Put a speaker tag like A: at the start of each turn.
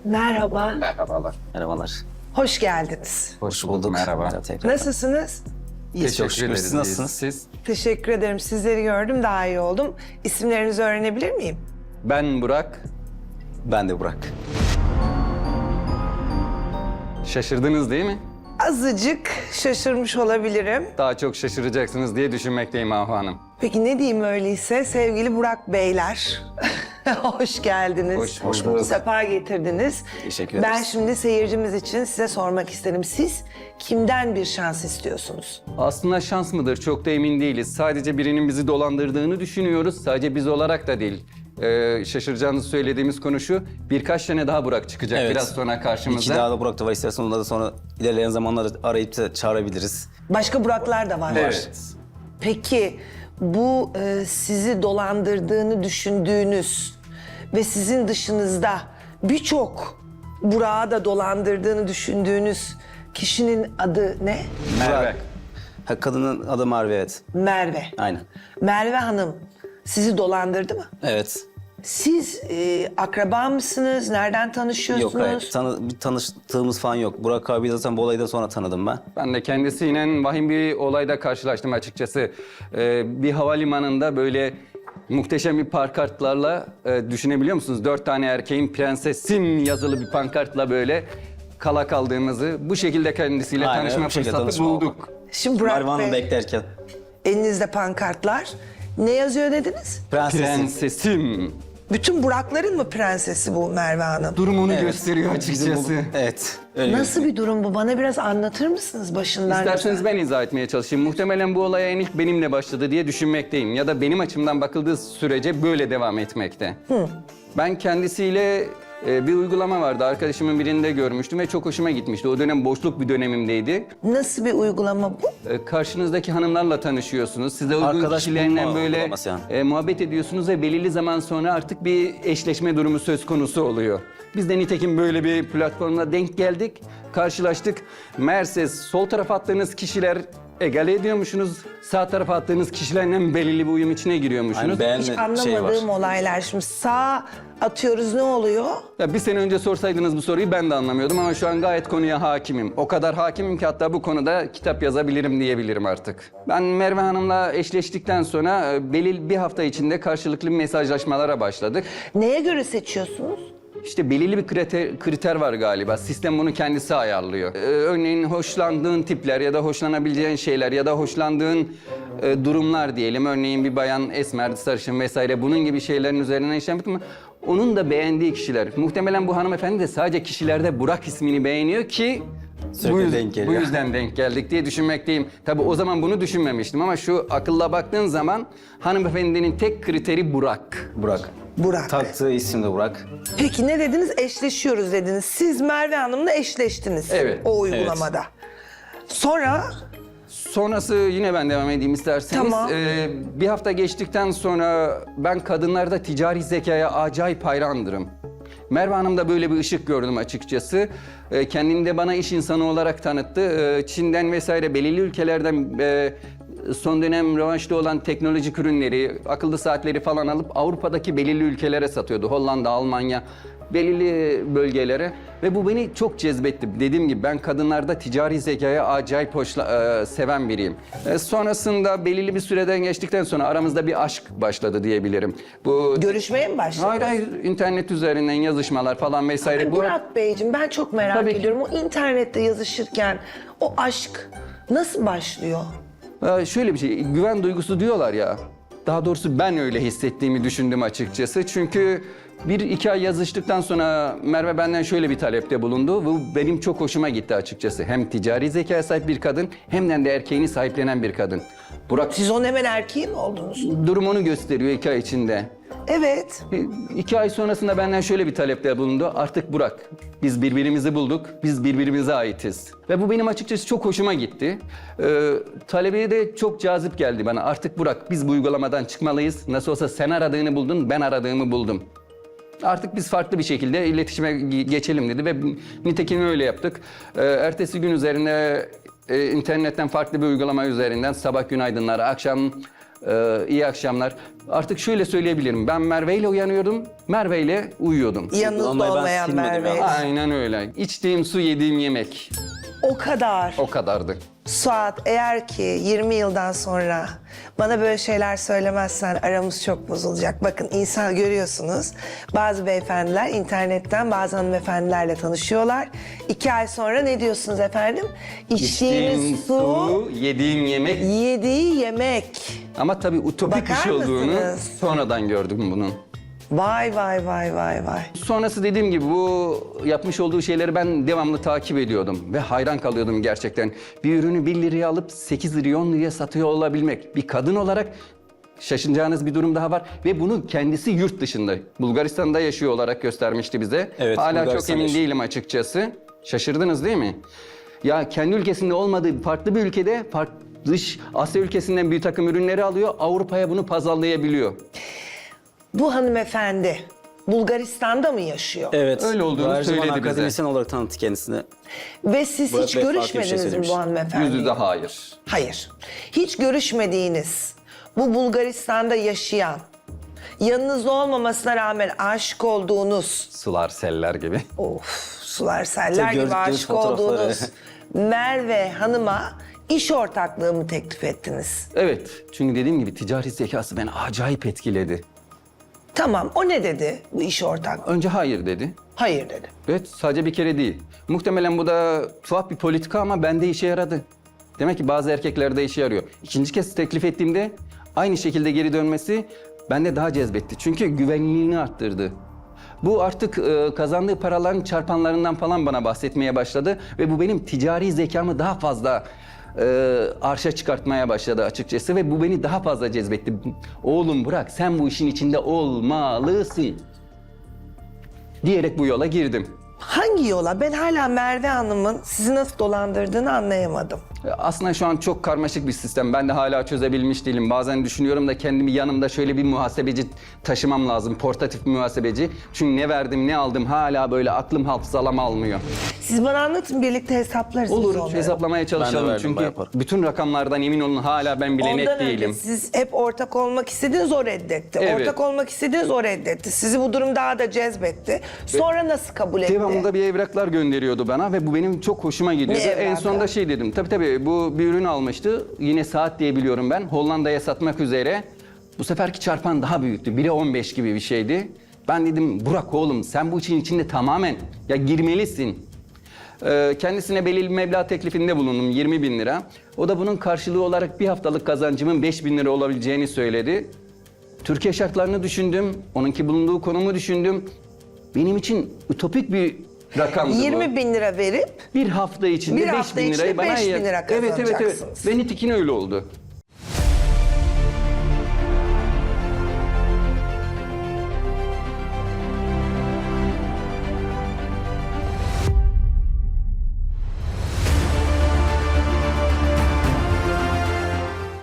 A: Merhaba.
B: Merhabalar.
C: Merhabalar.
A: Hoş geldiniz.
C: Hoş bulduk.
B: Merhaba.
C: Tekrar.
A: Nasılsınız?
C: İyiyiz çok şükür.
B: ederiz.
C: Siz nasılsınız?
B: Siz?
A: Teşekkür ederim. Sizleri gördüm, daha iyi oldum. İsimlerinizi öğrenebilir miyim?
B: Ben Burak.
C: Ben de Burak.
B: Şaşırdınız değil mi?
A: Azıcık şaşırmış olabilirim.
B: Daha çok şaşıracaksınız diye düşünmekteyim Ahu Hanım.
A: Peki ne diyeyim öyleyse sevgili Burak Beyler. Hoş geldiniz.
B: Hoş bulduk.
A: Sefa getirdiniz.
C: Teşekkür
A: Ben
C: ederiz.
A: şimdi seyircimiz için size sormak isterim. Siz kimden bir şans istiyorsunuz?
B: Aslında şans mıdır çok da emin değiliz. Sadece birinin bizi dolandırdığını düşünüyoruz. Sadece biz olarak da değil. Şaşıracağınızı söylediğimiz konu şu. Birkaç tane daha Burak çıkacak
C: Evet.
B: biraz sonra karşımıza.
C: İki daha da Burak da var. İstersen onları da sonra ilerleyen zamanlarda arayıp da çağırabiliriz.
A: Başka Buraklar da var.
B: Evet.
A: Peki bu sizi dolandırdığını düşündüğünüz ve sizin dışınızda birçok Burak'ı da dolandırdığını düşündüğünüz kişinin adı ne?
B: Merve.
C: Ha, kadının adı Merve, evet.
A: Merve.
C: Aynen.
A: Merve Hanım sizi dolandırdı mı?
C: Evet.
A: Siz akraba mısınız? Nereden
C: Yok
A: tanışıyorsunuz?
C: hayır. Bir tanıştığımız falan yok. Burak abi zaten bu olayı da sonra tanıdım ben.
B: Ben de kendisiyle vahim bir olayda karşılaştım açıkçası. Bir havalimanında böyle muhteşem bir pankartlarla düşünebiliyor musunuz? 4 tane erkeğin prensesim yazılı bir pankartla böyle kala kaldığımızı bu şekilde kendisiyle
C: Aynen,
B: tanışma
C: bu şekilde
B: fırsatı
C: tanışma oldu.
B: bulduk.
A: Şimdi Burak
C: Merve Hanım
A: Bey,
C: beklerken.
A: elinizde pankartlar. Ne yazıyor dediniz?
C: Prensesin.
B: Prensesim.
A: Bütün Burakların mı prensesi bu Merve Hanım?
B: Durumunu
C: Evet.
B: gösteriyor
C: Bizim bu-
B: açıkçası.
C: Evet. Öyle
A: Nasıl bir durum bu? Bana biraz anlatır mısınız başından?
B: İsterseniz ben izah etmeye çalışayım. Muhtemelen bu olay en ilk benimle başladı diye düşünmekteyim. Ya da benim açımdan bakıldığı sürece böyle devam etmekte. Ben kendisiyle bir uygulama vardı. Arkadaşımın birinde görmüştüm ve çok hoşuma gitmişti. O dönem boşluk bir dönemimdeydi.
A: Nasıl bir uygulama bu?
B: Karşınızdaki hanımlarla tanışıyorsunuz. Size uygun
C: Arkadaş
B: kişilerinden
C: bulma
B: böyle
C: uygulaması yani.
B: muhabbet ediyorsunuz ve belirli zaman sonra artık bir eşleşme durumu söz konusu oluyor. Biz de nitekim böyle bir platformla denk geldik, karşılaştık. Meğerse sol tarafa attığınız kişiler egale ediyormuşsunuz. Sağ tarafa attığınız kişilerle belirli bir uyum içine giriyormuşsunuz.
C: Aynen,
A: Hiç
C: beğenme şey var.
A: anlamadığım olaylar. Şimdi sağ atıyoruz, ne oluyor?
B: Ya bir sene önce sorsaydınız bu soruyu ben de anlamıyordum ama şu an gayet konuya hakimim. O kadar hakimim ki hatta bu konuda kitap yazabilirim diyebilirim artık. Ben Merve Hanım'la eşleştikten sonra belirli bir hafta içinde karşılıklı mesajlaşmalara başladık.
A: Neye göre seçiyorsunuz?
B: İşte belirli bir kriter var galiba. Sistem bunu kendisi ayarlıyor. Örneğin hoşlandığın tipler ya da hoşlanabileceğin şeyler ya da hoşlandığın durumlar diyelim. Örneğin bir bayan esmer, sarışın vesaire bunun gibi şeylerin üzerine işlem bitmiyor. Onun da beğendiği kişiler. Muhtemelen bu hanımefendi de sadece kişilerde Burak ismini beğeniyor ki
C: Sürekli denk geliyor.
B: bu yüzden denk geldik diye düşünmekteyim. Tabii o zaman bunu düşünmemiştim ama şu akılla baktığın zaman hanımefendinin tek kriteri Burak.
C: Burak.
A: Burak.
C: Taktığı isim de Burak.
A: Peki ne dediniz? Eşleşiyoruz dediniz. Siz Merve Hanım'la eşleştiniz.
B: Evet.
A: O uygulamada. Sonra
B: Sonrası yine ben devam edeyim isterseniz.
A: Tamam.
B: Bir hafta geçtikten sonra ben kadınlarda ticari zekaya acayip hayrandırım. Merve Hanım'da böyle bir ışık gördüm açıkçası. Kendini de bana iş insanı olarak tanıttı. Çin'den vesaire belirli ülkelerden son dönem revaçta olan teknolojik ürünleri, akıllı saatleri falan alıp Avrupa'daki belirli ülkelere satıyordu. Hollanda, Almanya, belirli bölgelere ve bu beni çok cezbetti. Dediğim gibi ben kadınlarda ticari zekaya acayip seven biriyim. Sonrasında belirli bir süreden geçtikten sonra aramızda bir aşk başladı diyebilirim. Bu
A: görüşmeye mi başladınız?
B: hayır internet üzerinden yazışmalar falan vesaire. Bu
A: Burak Beyciğim, ben çok merak
B: Tabii ki.
A: ediyorum. O internette yazışırken o aşk nasıl başlıyor?
B: Şöyle bir şey, güven duygusu diyorlar ya. Daha doğrusu ben öyle hissettiğimi düşündüm açıkçası. Çünkü 1-2 ay yazıştıktan sonra Merve benden şöyle bir talepte bulundu. Bu benim çok hoşuma gitti açıkçası. Hem ticari zekaya sahip bir kadın hem de erkeğini sahiplenen bir kadın. Burak
A: Siz onun hemen erkeği mi oldunuz?
B: durumunu gösteriyor 2 ay içinde.
A: Evet.
B: 2 ay sonrasında benden şöyle bir talepte bulundu. Artık Burak, biz birbirimizi bulduk, biz birbirimize aitiz. Ve bu benim açıkçası çok hoşuma gitti. Talebi de çok cazip geldi bana. Artık Burak, biz bu uygulamadan çıkmalıyız. Nasıl olsa sen aradığını buldun, ben aradığımı buldum. Artık biz farklı bir şekilde iletişime geçelim dedi ve nitekim öyle yaptık. Ertesi gün üzerine internetten farklı bir uygulama üzerinden sabah günaydınları, akşam İyi akşamlar. Artık şöyle söyleyebilirim. Ben Merve ile uyanıyordum, Merve ile uyuyordum.
A: Yanınızda
C: Vallahi ben
A: olmayan
C: silmedim
A: Merve.
C: ya.
B: Aynen öyle. İçtiğim su, yediğim yemek.
A: O kadar.
B: O kadardı.
A: Suat, eğer ki 20 yıldan sonra bana böyle şeyler söylemezsen aramız çok bozulacak. Bakın insan görüyorsunuz. Bazı beyefendiler internetten bazı hanımefendilerle tanışıyorlar. 2 ay sonra ne diyorsunuz efendim? İçtiğiniz
B: İçtiğim
A: su,
B: yediğim yemek.
A: yediği yemek.
B: Ama tabii utopik bir
A: Bakar
B: şey olduğunu
A: mısınız?
B: sonradan gördüm bunun.
A: Vay vay vay vay vay.
B: Sonrası dediğim gibi bu yapmış olduğu şeyleri ben devamlı takip ediyordum ve hayran kalıyordum gerçekten. Bir ürünü 1 liraya alıp 8 liraya 10 liraya satıyor olabilmek. Bir kadın olarak şaşınacağınız bir durum daha var ve bunu kendisi yurt dışında, Bulgaristan'da yaşıyor olarak göstermişti bize.
C: Evet,
B: Hala çok
C: Bulgaristan'da
B: emin
C: yaşıyor.
B: değilim açıkçası. Şaşırdınız değil mi? Ya kendi ülkesinde olmadığı farklı bir ülkede, dış Asya ülkesinden bir takım ürünleri alıyor, Avrupa'ya bunu pazarlayabiliyor.
A: Bu hanımefendi Bulgaristan'da mı yaşıyor?
C: Evet.
B: Öyle olduğunu
C: Her zaman
B: söyledi bize.
C: akademisyen olarak tanıttı kendisini.
A: Ve siz
C: Murat
A: hiç
C: Bey farklı bir şey
A: görüşmediniz mi
C: söylemiş.
A: bu hanımefendiyle?
B: Yüz yüze hayır.
A: Hayır. Hiç görüşmediğiniz, bu Bulgaristan'da yaşayan, yanınızda olmamasına rağmen aşık olduğunuz,
B: Sular, seller gibi.
A: sular seller
C: Tabii
A: gibi
C: gördükleri
A: aşık
C: fotoğrafları.
A: olduğunuz Merve Hanım'a iş ortaklığı mı teklif ettiniz?
B: Evet, çünkü dediğim gibi ticari zekası beni acayip etkiledi.
A: Tamam, o ne dedi bu iş ortaklığı?
B: Önce hayır dedi.
A: Hayır dedi.
B: Evet, sadece bir kere değil. Muhtemelen bu da tuhaf bir politika ama bende işe yaradı. Demek ki bazı erkeklerde işe yarıyor. İkinci kez teklif ettiğimde aynı şekilde geri dönmesi bende daha cezbetti. Çünkü güvenliğini arttırdı. Bu artık kazandığı paraların çarpanlarından falan bana bahsetmeye başladı. Ve bu benim ticari zekamı daha fazla arşa çıkartmaya başladı açıkçası. Ve bu beni daha fazla cezbetti. Oğlum Burak, sen bu işin içinde olmalısın diyerek bu yola girdim.
A: Hangi yola? Ben hala Merve Hanım'ın sizi nasıl dolandırdığını anlayamadım.
B: Aslında şu an çok karmaşık bir sistem. Ben de hala çözebilmiş değilim. Bazen düşünüyorum da kendimi yanımda şöyle bir muhasebeci taşımam lazım. Portatif bir muhasebeci. Çünkü ne verdim ne aldım hala böyle aklım hafızalam almıyor.
A: Siz bana anlatın, birlikte hesaplarız. biz
B: Olur,
A: onları.
B: hesaplamaya çalışalım.
C: verdim,
B: Çünkü
C: bayağı para.
B: bütün rakamlardan emin olun hala ben bile net
A: Ondan
B: değilim.
A: önce siz hep ortak olmak istediniz, o reddetti.
B: Evet.
A: Ortak olmak istediniz, o reddetti. Sizi bu durum daha da cezbetti. Sonra nasıl kabul etti?
B: Devamında bir evraklar gönderiyordu bana ve bu benim çok hoşuma gidiyordu.
A: Ne
B: En
A: evrakı?
B: sonunda şey dedim, tabii bu bir ürün almıştı. Yine saat diye biliyorum ben. Hollanda'ya satmak üzere. Bu seferki çarpan daha büyüktü. 1'e 15 gibi bir şeydi. Ben dedim Burak oğlum sen bu işin içinde tamamen ya girmelisin. Kendisine belirli bir meblağ teklifinde bulundum 20 bin lira. O da bunun karşılığı olarak bir haftalık kazancımın 5 bin lira olabileceğini söyledi. Türkiye şartlarını düşündüm, onunki bulunduğu konumu düşündüm. Benim için ütopik bir rakamdı bu.
A: 20 bin lira verip
B: Bir hafta içinde
A: Bir
B: 5
A: hafta
B: bin lirayı
A: içinde
B: bana
A: 5 bin lira
B: Evet.
A: kazanacaksınız.
B: Ve nitekim öyle oldu.